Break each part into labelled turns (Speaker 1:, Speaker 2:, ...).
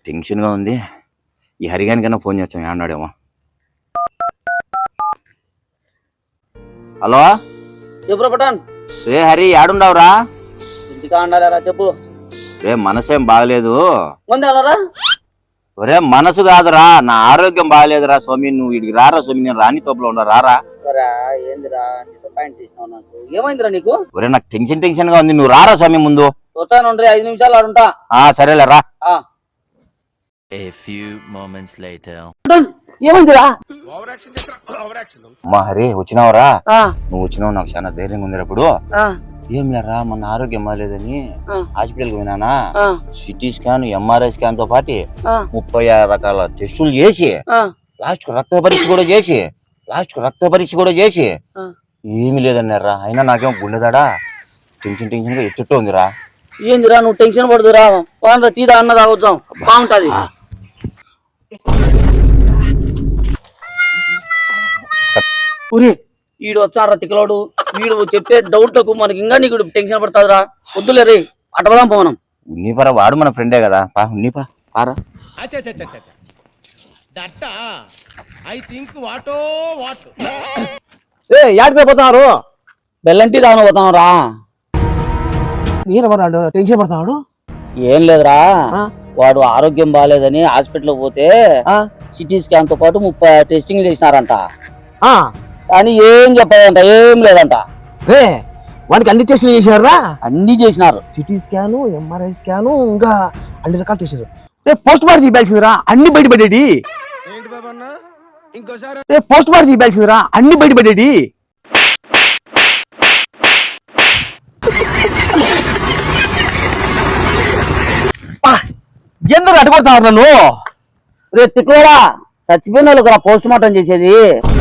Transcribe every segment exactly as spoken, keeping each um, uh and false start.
Speaker 1: టెన్షన్గా ఉంది. ఈ హరిగానికన్నా ఫోన్ చేస్తాం ఏమన్నాడేమో. హలో
Speaker 2: చెప్పు పటాన్.
Speaker 1: రే హరి ఏడుండవురా?
Speaker 2: ఇంటికా ఉండాలరా చెప్పు.
Speaker 1: రే మనసేం బాగలేదు.
Speaker 2: ముందరా
Speaker 1: ఒరే మనసు కాదురా, నా ఆరోగ్యం బాగలేదురా స్వామి. నువ్వు ఇడికి రారా స్వామి, నేను రాని తోపులో ఉండ రారా.
Speaker 2: ఏందిరా డిసప్పాయింట్ చేసినావు నాకు. ఏమైందిరా నీకు?
Speaker 1: ఒరే నాకు టెన్షన్ టెన్షన్ గా ఉంది, నువ్వు రారా స్వామి ముందు.
Speaker 2: వస్తాను ఐదు నిమిషాలు ఆడుంటా.
Speaker 1: ఆ సరేలే రా.
Speaker 3: A few moments later.
Speaker 2: ఏమైందిరా?
Speaker 1: మా హరి వచ్చినావురా? నువ్వు వచ్చినావు నాకు చాలా ధైర్యంగా ఉంది. అప్పుడు ఏం లేరా, మన ఆరోగ్యం బాగాలేదని హాస్పిటల్కి పోయినానా. సిటీ స్కాన్, ఎంఆర్ఐ స్కాన్ తో పాటు ముప్పై ఆరు రకాల టెస్టులు చేసి లాస్ట్ కు రక్త పరీక్ష కూడా చేసి లాస్ట్ కు రక్త పరీక్ష కూడా చేసి ఏమి లేదన్నారా. అయినా నాకేమో గుండెదాడా టెన్షన్ టెన్షన్ గా ఎత్తుట్టు ఉందిరా.
Speaker 2: ఏందిరా నువ్వు టెన్షన్ పడుతురా? టీ దా అన్న తాగొచ్చాం బాగుంటది. వీడు వచ్చారా తిక్కలోడు, వీడు చెప్పే డౌట్లకు మనకి ఇంకా నీకు టెన్షన్ పడుతుందిరా. వద్దులే రే అటవదాం పోనం.
Speaker 1: ఉన్నీపరా, వాడు మన ఫ్రెండే కదా. పా ఉన్నీపా పారా.
Speaker 4: యాడికి పోతున్నారు?
Speaker 2: బెల్లంటీ తాను పోతాం రా.
Speaker 4: నీరవరాడు టెన్షన్ పడుతున్నాడు.
Speaker 2: ఏం లేదురా, వాడు ఆరోగ్యం బాగాలేదని హాస్పిటల్ పోతే సిటీ స్కాన్ తో పాటు ముప్పై టెస్టింగ్ చేసినారంట. కానీ ఏం చెప్పదంట, ఏం లేదంట.
Speaker 4: వాడికి అన్ని టెస్టులు చేశారా?
Speaker 2: అన్ని చేసినారు.
Speaker 4: సిటీ స్కాను, ఎంఆర్ఐ స్కాను, ఇంకా అన్ని రకాలు చేశారు. రేపు పోస్ట్ మార్టం చేయాల్సిందిరా, అన్ని బయటపడేది. రేపు పోస్ట్ మార్టం చేయాల్సిందిరా, అన్ని బయటపడేది. ఎందుకు అడ్డుకొడతావు నన్ను?
Speaker 2: రేపు తిక్కురా చచ్చిపోయిన వాళ్ళకి పోస్ట్ మార్టం చేసేది.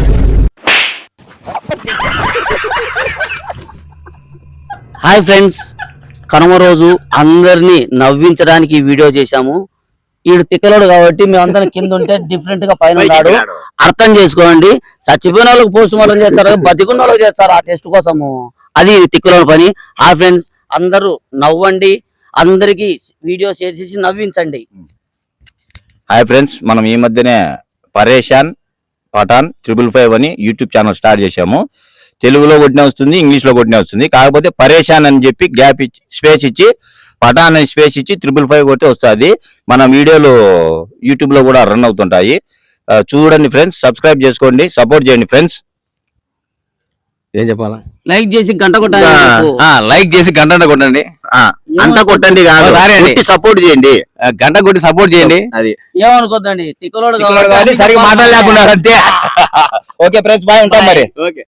Speaker 2: హాయ్ ఫ్రెండ్స్, కనుమ రోజు అందరినీ నవ్వించడానికి వీడియో చేశాము. వీడు తిక్కలోడు కాబట్టి మేమందరం కింద ఉంటే డిఫరెంట్ గా పైన ఉన్నాడు. అర్థం చేసుకోండి. చచ్చిపోయిన వాళ్ళకి పోస్ట్ మార్టం చేస్తారు, బతికున్న వాళ్ళకి చేస్తారు ఆ టెస్ట్ కోసము. అది తిక్కలోడు పని. హాయ్ ఫ్రెండ్స్, అందరూ నవ్వండి, అందరికి వీడియో షేర్ చేసి నవ్వించండి.
Speaker 1: హాయ్ ఫ్రెండ్స్, మనం ఈ మధ్యనే పరేషాన్ పఠాన్ త్రిబుల్ ఫైవ్ అని యూట్యూబ్ ఛానల్ స్టార్ట్ చేశాము. తెలుగులో కొట్టినే వస్తుంది, ఇంగ్లీష్ లో కొట్టినే వస్తుంది. కాకపోతే పరేషాన్ అని చెప్పి గ్యాప్ ఇచ్చి స్పేస్ ఇచ్చి పఠాన్ అని స్పేస్ ఇచ్చి త్రిబుల్ ఫైవ్ కొట్టి వస్తుంది. మన వీడియోలు యూట్యూబ్ లో కూడా రన్ అవుతుంటాయి. చూడండి ఫ్రెండ్స్, సబ్స్క్రైబ్ చేసుకోండి, సపోర్ట్ చేయండి ఫ్రెండ్స్. ఏం చెప్పాలా?
Speaker 2: లైక్ చేసి గంట కొట్టండి.
Speaker 1: లైక్ చేసి గంట కొట్టండి. గంట కొట్టండి కాదు, సపోర్ట్ చేయండి. గంట కొట్టి సపోర్ట్ చేయండి. అది
Speaker 2: ఏమనుకోద్దండి, తిక్కలోడు
Speaker 1: సరిగ్గా మాట్లాడలేకున్నారు అంతే. ఓకే ఫ్రెండ్స్, బాయ్, ఉంటాం మరి.